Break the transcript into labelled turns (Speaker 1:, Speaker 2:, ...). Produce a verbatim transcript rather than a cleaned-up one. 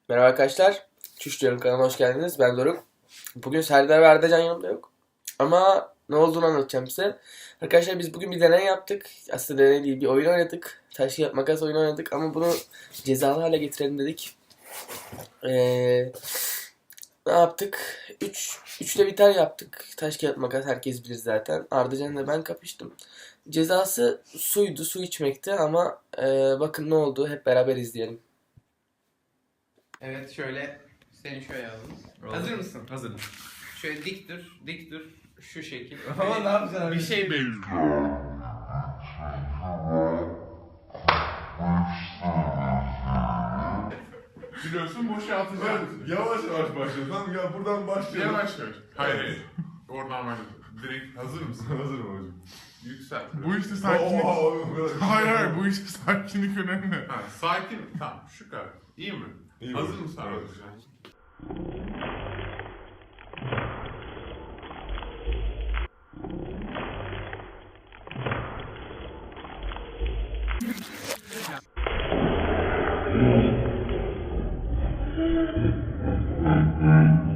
Speaker 1: Merhaba arkadaşlar. Çüş diyorum kanalıma hoş geldiniz. Ben Doruk. Bugün Serdar ve Ardacan yanımda yok. Ama ne olduğunu anlatacağım size. Arkadaşlar biz bugün bir deney yaptık. Aslında deney değil, bir oyun oynadık. Taş kağıt makas oyunu oynadık ama bunu cezalı hale getirelim dedik. Ee, ne yaptık? üç üçte biter yaptık. Taş kağıt makas herkes bilir zaten. Ardacan'la ben kapıştım. Cezası suydu, su içmekti ama e, bakın ne oldu. Hep beraber izleyelim.
Speaker 2: Evet şöyle seni şöyle alalım. Hazır mısın?
Speaker 3: Hazırım.
Speaker 2: Şöyle dik dur, dik dur. Şu şekil.
Speaker 3: Ama ne yapacaksın?
Speaker 2: Bir şey belli.
Speaker 4: Biliyorsun boşaltacağız.
Speaker 5: Yavaş yavaş başla. Tamam ya buradan başlayalım.
Speaker 4: Yavaş yavaş. Hayır hayır. Oradan başla. Direkt hazır mısın?
Speaker 5: Hazırım hocam.
Speaker 4: Yüksel.
Speaker 6: Bu işte sakinlik...
Speaker 5: Oha, oğlum, böyle-
Speaker 6: Hayır hayır bu işte sakinlik önemli.
Speaker 4: Ha, sakin. Tamam şu kadar. İyi mi?
Speaker 5: İyi
Speaker 4: hazır
Speaker 5: hocam.
Speaker 4: mısın
Speaker 5: Evet.
Speaker 4: arkadaşlar?
Speaker 5: Hı.